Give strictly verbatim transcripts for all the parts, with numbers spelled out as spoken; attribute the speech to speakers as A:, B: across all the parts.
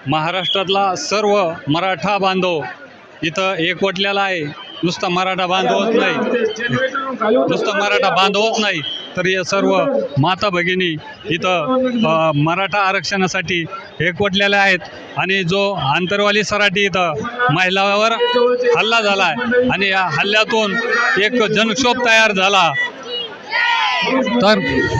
A: महाराष्ट्रातला सर्व मराठा बांधव इथं एकवटलेला आहे. नुसता मराठा बांधवच नाही, नुसता मराठा बांधवच नाही तर हे सर्व माता भगिनी इथं अ, मराठा आरक्षणासाठी एकवटलेल्या आहेत. आणि जो आंतरवाली सराटी इथं महिलावर हल्ला झाला आहे आणि या हल्ल्यातून एक जनक्षोभ तयार झाला. तर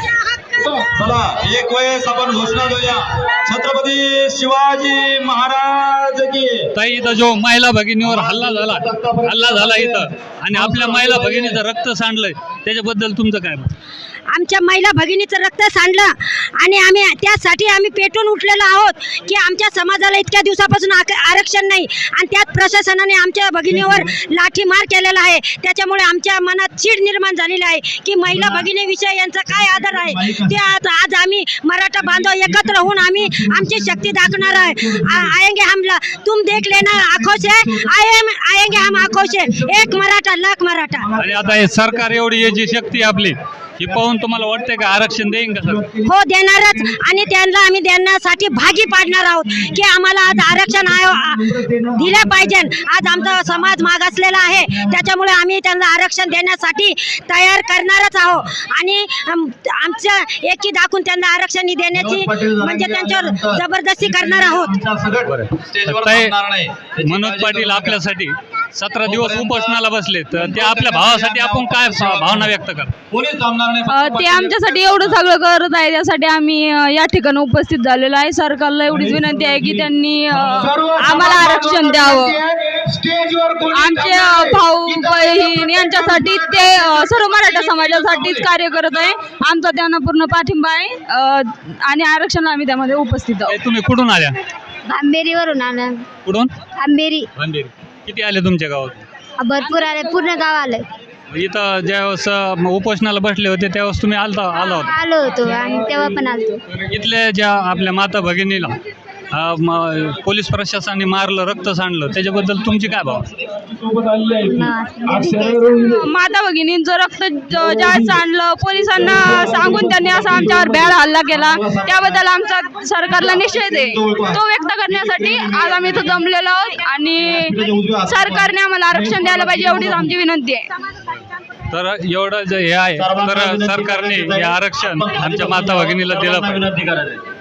B: चला एक वेळेस आपण घोषणा देऊया, छत्रपती शिवाजी महाराज की.
A: ताई, इथं जो महिला भगिनीवर हल्ला झाला हल्ला झाला इथं आणि आपल्या महिला भगिनीचं रक्त सांडलंय, त्याच्याबद्दल तुमचं काय मत?
C: आमच्या महिला भगिनीचं रक्त सांडलं आणि आम्ही त्यासाठी आम्ही पेटून उठलेलो आहोत की आमच्या समाजाला इतक्या दिवसापासून आरक्षण नाही आणि त्यात प्रशासनाने आमच्या भगिनीवर लाठीमार केलेला आहे. त्याच्यामुळे आमच्या मनात चीड निर्माण झालेली आहे की महिला भगिनीविषयी यांचा काय आदर आहे ते आज आज आम्ही मराठा बांधव एकत्र होऊन आम्ही आमची शक्ती दाखवणार आहे. आएंगे हम तुम देख लेना आक्रोश है, आए आएंगे हम आक्रोश है, एक मराठा लाख मराठा.
A: आणि आता हे सरकार एवढी याची शक्ती आपली ही पाहून तुम्हाला वाटतंय का आरक्षण देईन का सर?
C: हो, देणारच. आणि त्यांना आम्ही देण्यासाठी भागी पाडणार आहोत की आम्हाला आज आरक्षण दिलं पाहिजे. आज आमचा समाज मागासलेला आहे, त्याच्यामुळे आम्ही त्यांना आरक्षण देण्यासाठी तयार करणारच आहोत आणि आमच्या एकी दाखवून त्यांना आरक्षण देण्याची म्हणजे त्यांच्यावर जबरदस्ती करणार आहोत.
A: मनोज पाटील आपल्यासाठी सतरा दिवस उपोषणाला बसले, तर ते आपल्या भावासाठी आपण काय भावना व्यक्त करा?
D: ते आमच्यासाठी एवढं सगळं करत आहे, त्यासाठी आम्ही या ठिकाणी उपस्थित झालेलो आहे. सरकारला एवढीच विनंती आहे की त्यांनी आम्हाला आरक्षण द्यावं. आमचे भाऊ बहीण यांच्यासाठी ते सर्व मराठा समाजासाठीच कार्य करत आहे. आमचा त्यांना पूर्ण पाठिंबा आहे आणि आरक्षण आम्ही त्यामध्ये उपस्थित आहोत.
A: तुम्ही कुठून आल्या?
C: आंबेरीवरून आला.
A: कुठून?
C: आंबेरी.
A: अंधेरी. किती आले तुमच्या गावात?
C: भरपूर आले, पूर्ण गाव आलं.
A: इथं ज्यावेळेस उपोषणाला बसले होते त्यावेळेस तुम्ही आलता आला होता?
C: आलो होतो आणि तेव्हा पण आलतो.
A: इथल्या ज्या आपल्या माता भगिनीला पोलीस प्रशासनाने मारलं, रक्त सांडलं, त्याच्याबद्दल तुमची काय भाव?
D: माता भगिनींचं रक्त ज्या सांडलं, पोलिसांना सांगून त्यांनी असा आमच्यावर भ्याड हल्ला केला, त्याबद्दल आमचा सरकारला निषेध आहे. तो व्यक्त करण्यासाठी आज आम्ही इथं जमलेलो आहोत आणि सरकारने आम्हाला आरक्षण द्यायला पाहिजे एवढीच आमची विनंती आहे.
A: तर एवढं जे हे आहे तर सरकारने हे आरक्षण आमच्या माता भगिनीला दिलं पाहिजे.